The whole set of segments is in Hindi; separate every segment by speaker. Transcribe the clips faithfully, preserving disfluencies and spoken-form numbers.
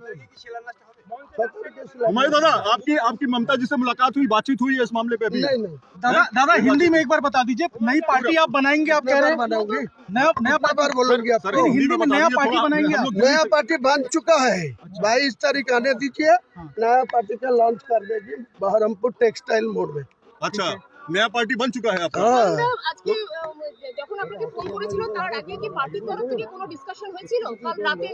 Speaker 1: हुमायूं दादा, आपकी आपकी ममता जी से मुलाकात हुई, बातचीत हुई है इस मामले पे अभी?
Speaker 2: नहीं नहीं
Speaker 3: दादा दादा हिंदी में एक बार बता दीजिए, नई पार्टी आप बनाएंगे, आप कह रहे हैं
Speaker 2: बनाऊंगी,
Speaker 3: नया नया
Speaker 2: बार बोलूंगी आपको।
Speaker 3: हिंदी में नया पार्टी बनाएंगे आप?
Speaker 2: नया पार्टी बन चुका है, बाईस तारीख आने दीजिए, नया पार्टी का लॉन्च कर देगी बहरमपुर टेक्सटाइल मोड़ में।
Speaker 1: अच्छा, नया पार्टी बन चुका है आपका?
Speaker 4: আজকে যখন আপনাকে ফোন করেছিল তার আগে কি পার্টির তরফ থেকে কোনো ডিসকাশন হয়েছিল কাল রাতে?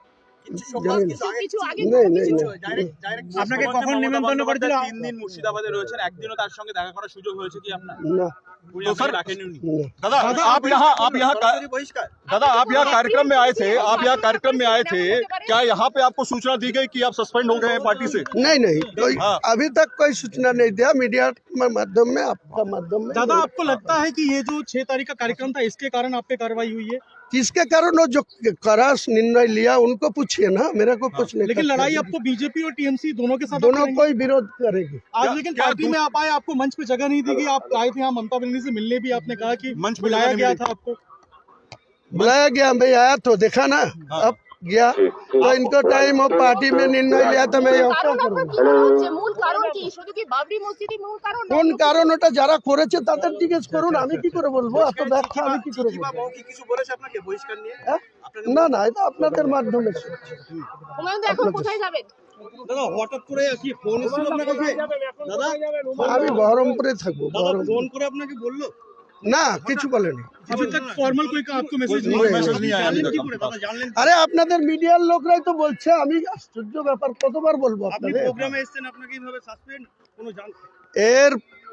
Speaker 4: কিছু আগে
Speaker 2: नहीं नहीं
Speaker 3: আপনাকে কখন নিমন্ত্রণ করেছিল?
Speaker 5: তিন দিন মুর্শিদাবাদে রয়েছেন, একদিনও তার সঙ্গে দেখা করার সুযোগ হয়েছে কি আপনার?
Speaker 2: ना
Speaker 1: तो सर दादा, आप यहाँ आप यहाँ दादा आप यहाँ कार्यक्रम में आए थे, आप यहाँ कार्यक्रम में आए थे, क्या यहाँ पे आपको सूचना दी गई कि आप सस्पेंड हो गए हैं पार्टी से?
Speaker 2: नहीं नहीं कोई
Speaker 1: हाँ।
Speaker 2: अभी तक कोई सूचना नहीं दिया, मीडिया के माध्यम में, आपका माध्यम में।
Speaker 3: दादा आपको लगता है कि ये जो छह तारीख का कार्यक्रम था इसके कारण आप पे कार्रवाई हुई है?
Speaker 2: किसके कारण वो जो करास निर्णय लिया उनको पूछिए ना, मेरे को कुछ नहीं।
Speaker 3: लेकिन लड़ाई आपको बीजेपी और टीएमसी दोनों के साथ
Speaker 2: दोनों कोई विरोध करेगी।
Speaker 3: आज, लेकिन पार्टी में आप आए, आपको मंच पे जगह नहीं दी गई, आप आए थे यहाँ ममता बनर्जी से मिलने भी, आपने कहा कि
Speaker 1: मंच पे
Speaker 3: बुलाया
Speaker 1: जगह नहीं
Speaker 3: गया
Speaker 1: मिली।
Speaker 3: था आपको।
Speaker 2: बुलाया गया, मैं आया तो देखा ना, अब गया तो इनको टाइम और पार्टी में निर्णय लिया तो मैं
Speaker 4: কারণ আপনার কি মনে হচ্ছে মূল কারণ কি? শুধু কি বাবরি মসজিদই মূল কারণ?
Speaker 2: কোন কারণ ওটা যারা করেছে তাদের জিজ্ঞেস করুন, আমি কি করে বলবো? এত ব্যাখ্যা আমি কি করে বলবো?
Speaker 5: কিছু বলেছে আপনাকে বহিষ্কার নিয়ে?
Speaker 2: হ্যাঁ? না না, এটা আপনাদের মাধ্যমে।
Speaker 4: হুমায়ুন দা এখন কোথায় যাবেন?
Speaker 3: দাদা হঠাৎ করে কি ফোন এসেছিল আপনার কাছে? দাদা
Speaker 2: আমি বহরমপুরে থাকবো।
Speaker 3: দাদা ফোন করে আপনাকে বললো?
Speaker 2: না, কিছু বলেনি।
Speaker 3: अभी तक फॉर्मल कोई आपको मैसेज
Speaker 1: कोई
Speaker 3: नहीं
Speaker 1: मैसेज नहीं आया अभी
Speaker 3: जानलेন
Speaker 1: तक।
Speaker 3: কি করে দাদা, জানলেন?
Speaker 2: আরে আপনাদের মিডিয়ার লোকরাই তো বলছে, আমি আশ্চর্য ব্যাপার কতবার বলবো
Speaker 3: আপনি
Speaker 2: আপনাদের।
Speaker 3: প্রোগ্রামে এসেছেন, আপনাকে এইভাবে সাসপেন্ড কোনো জান?
Speaker 2: এর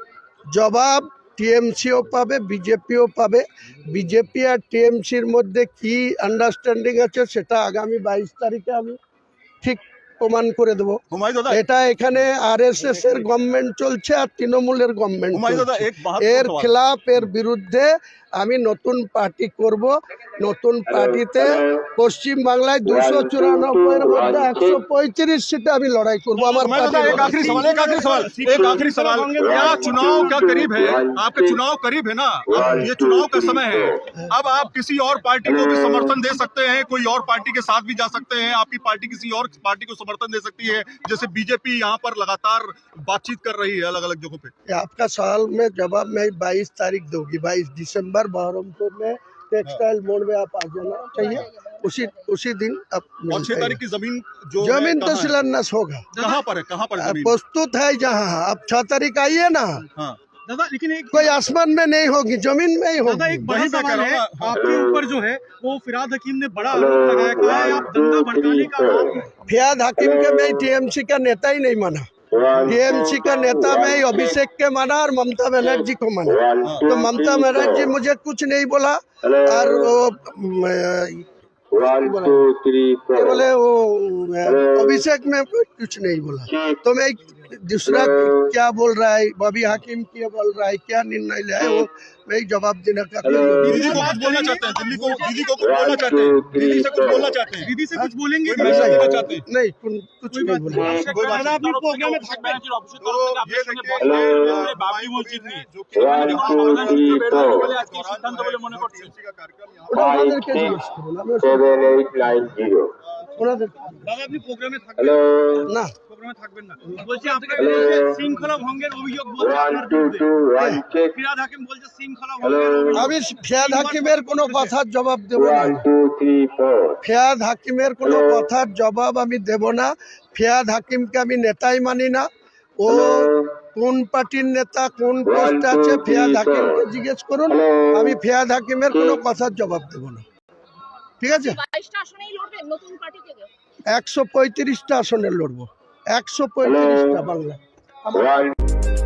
Speaker 2: জবাব টিএমসিও পাবে, বিজেপিও পাবে। বিজেপি আর টিএমসির মধ্যে কি আন্ডারস্ট্যান্ডিং আছে সেটা আগামী বাইশ তারিখে আমি ঠিক প্রমাণ করে দেবো।
Speaker 1: हुमायूं दादा,
Speaker 2: এটা এখানে আরএসএস এর গভর্নমেন্ট চলছে আর তৃণমূলের গভর্নমেন্ট
Speaker 1: हुमायूं दादा,
Speaker 2: চলছে।
Speaker 1: एक महत्वपूर्ण
Speaker 2: এর
Speaker 1: सवाल।
Speaker 2: খেলাফ, এর বিরুদ্ধে আমি নতুন পার্টি করব। নতুন পার্টিতে পশ্চিম বাংলায় দুশো চুরানব্বই এর মধ্যে একশো পঁয়ত্রিশ সিটে আমি লড়াই করবো। আমার
Speaker 1: हुमायूं दादा, एक आखिरी सवाल एक आखिरी सवाल एक आखिरी सवाल क्या चुनाव क्या करीब है? आपके चुनाव करीब है ना, अब ये चुनाव का समय है, अब आप किसी और पार्टी को भी समर्थन दे सकते हैं, कोई और पार्टी के साथ भी जा सकते हैं, आपकी पार्टी किसी और पार्टी को समर्थन दे सकती है, जैसे बीजेपी यहाँ पर लगातार बातचीत कर रही है अलग अलग जगहों पे।
Speaker 2: आपका सवाल में जवाब मैं बाईस तारीख दूंगी, बाईस दिसंबर बहरमपुर में टेक्सटाइल मोड़ में आप आ जाना चाहिए, उसी उसी दिन आप
Speaker 1: और छह तारीख की जमीन जो है,
Speaker 2: जमीन तो
Speaker 1: कहाँ है?
Speaker 2: शिलान्यास होगा,
Speaker 1: कहाँ पर है, कहाँ पर है जमीन?
Speaker 2: प्रस्तुत है जहाँ। आप छह तारीख आइए ना,
Speaker 1: हाँ
Speaker 3: दादा लेकिन एक
Speaker 2: कोई आसमान में नहीं होगी, जमीन में ही
Speaker 3: दादा
Speaker 2: होगी।
Speaker 3: एक बड़ा
Speaker 1: वही मैं कह
Speaker 3: सवाल
Speaker 1: रहा
Speaker 3: है
Speaker 1: हूँ ना।
Speaker 3: आपके ऊपर जो है वो फिराद हकीम ने बड़ा आरोप लगाया, कहा है आप दंगा भड़काने का आरोप है।
Speaker 2: फियाद हकीम के मैं टीएमसी का नेता ही नहीं माना, टीएमसी का नेता मैं अभिषेक के माना और ममता बनर्जी को माना। तो ममता बनर्जी मुझे कुछ नहीं बोला और वो ये बोले वो अभिषेक में कुछ नहीं बोला। तो मैं दूसरा क्या बोल रहा है, बॉबी हाकिम क्या बोल रहा है, क्या निर्णय लिया है, वो मैं जवाब देने का।
Speaker 1: दीदी को कुछ बोलना चाहते हैं, दिल्ली को दीदी को कुछ बोलना चाहते हैं, दीदी से कुछ बोलना चाहते हैं,
Speaker 3: दीदी से कुछ बोलेंगे?
Speaker 1: कोई मैसेज देना चाहते हैं?
Speaker 2: नहीं कुछ कुछ नहीं बोला।
Speaker 1: कोई बात
Speaker 3: दादा अपनी प्रोग्राम में
Speaker 5: অফিসের তরফ থেকে
Speaker 1: ये
Speaker 5: আপনার সঙ্গে
Speaker 1: देखिए,
Speaker 5: বলা হয়েছে
Speaker 1: ये
Speaker 5: বাবরি মসজিদ নিয়ে
Speaker 1: जो कि
Speaker 5: বলে আজকে সিদ্ধান্ত বলে মনে করছেন?
Speaker 1: का कार्यक्रम यहाँ
Speaker 2: ওটা ওনাদেরকে জিজ্ঞেস করুন, আমি ওসব-
Speaker 6: seven eight nine zero.
Speaker 2: ওনাদের
Speaker 3: দাদা আপনি প্রোগ্রামে থাকবেন?
Speaker 6: Hello.
Speaker 2: না,
Speaker 3: প্রোগ্রামে থাকবেন না বলছি, আপনাকে বলছে শৃঙ্খলা ভঙ্গের অভিযোগ বলছে
Speaker 6: One
Speaker 3: আপনার
Speaker 6: two
Speaker 3: বিরুদ্ধে।
Speaker 6: two one check.
Speaker 3: ফিরাদ হাকিম বলছে শৃঙ্খলা ভঙ্গের
Speaker 6: Hello.
Speaker 3: অভিযোগ।
Speaker 2: আমি ফিয়াদ হাকিমের কোনো কথার জবাব দেব না।
Speaker 6: One two three four.
Speaker 2: ফিয়াদ হাকিমের কোনো কথার জবাব আমি দেব না। ফিয়াদ হাকিমকে আমি নেতাই মানি না। ও কোন পার্টির নেতা, কোন পোস্টে আছে, ফিয়াদ হাকিমকে জিজ্ঞেস করুন। আমি ফিয়াদ হাকিমের কোনো কথার জবাব দেব না, ঠিক আছে?
Speaker 4: বাইশটা আসনেই লড়বেন নতুন পার্টি থেকে?
Speaker 2: একশো পঁয়ত্রিশটা আসনে লড়বো, একশো পঁয়ত্রিশটা বাংলা।
Speaker 6: One.